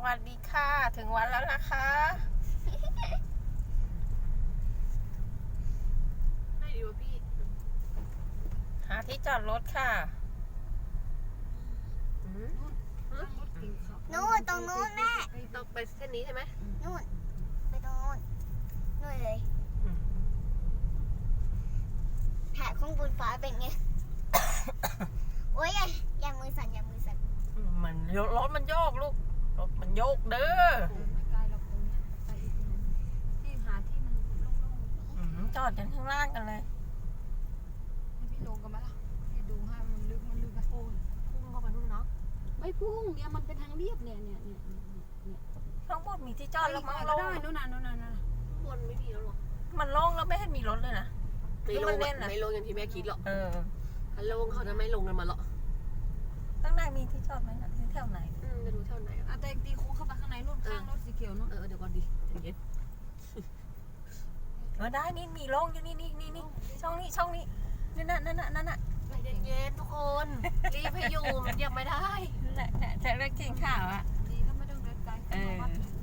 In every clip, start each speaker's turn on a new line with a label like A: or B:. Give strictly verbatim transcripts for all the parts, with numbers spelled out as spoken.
A: วัสดีค่ะถึงวันแล้วนะคะ
B: ไม่ดีวะพี่
A: หาที่จอดรถค่ะ
C: นู่นตรงนู้นแม่
B: ต้องไปเส้นนี้ใช่ไหม
C: นู่นไปตรงนู้นนู่นเลยแผลข้างบนฟ้าเป็นไง โอ้ยอย่าอย่ามือสั่นอย่ามือสั่น
A: มันรถมันโยกลูกรถมันโยกเด้อ
D: ไม่ไกลหรอกตรงเนี้ยไปอีกที่หาที่มันโล่ง
A: อืมจอดกันข้างล่างกันเลย
D: ๆให้พี่ลงกันไหมล่ะพี่ดูให้มันลึกมันลึกนะโอ้ย
B: พุ่งเข้าไปนู่นเนาะ
D: ไม่พุ่งเนี่ยมันเป็นทางเรียบเนี่ยเนี่ยเนี่ยเนี่ย
A: ข้างบนมีที่จอดแล้วมั้ง
D: ก็
A: โล่
D: ได้
A: ง
D: นู่นน่ะนู่นน่ะนู่นน่ะ
B: บนไม่มีแล้วหรอ
A: มันโล่งแล้วไม่เห็นมีรถเลยนะ
B: ไม่ล
A: มั
B: ง
A: นเล่นอะ
B: ไม่ลงอย่างที่แม่คิดหรอก
A: เออ
B: ถ้าลงเขาจะไม่ลงกันมาหรอก
A: ข้างในมีที่จอดไหมนะที่แถวไหน
B: อืมไม่รู้เท่าไหนอะ
D: อ่ะแต่ตีโค้งเข้าไปข้างในนู่นข้างรถสีเขียวนู่น
B: เออเดี๋ยวก่อนดิเย็น
A: เออได้นี่มีโล่งอยู่นี่นี่นี่นี่ช่องนี้ช่องนี้นี่น่ะนั่นน่ะนั่นน่ะ
B: เย็นๆทุกคน รีบให้อยู่มันยังไม่ได้
A: นั่นแหละเนี่ยจะเลือกกินข้าวอ่ะ
D: ดีถ้าไม่ต้องเดินไกล
A: เออ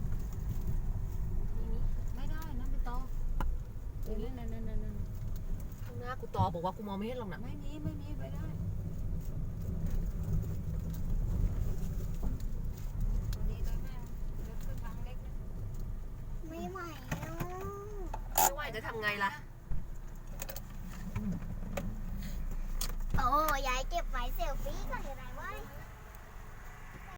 D: ไม่ได้นะไปต่อเดี๋ยวนั่นนั่นนั่นนั่น
B: ข้างหน้ากูต่อบอกว่ากูมองไม่เห็นหรอกนะ
D: ไม่มีไม่มีไปได้ดีเลยแม่เดินขึ้นทางเล็กนะ
C: ไม่ไหวแล้ว
B: ไม่ไหวจะทำไงล่ะ
C: โอ้ยายเก็บไว้เซลฟี่ก่อนเลยนะ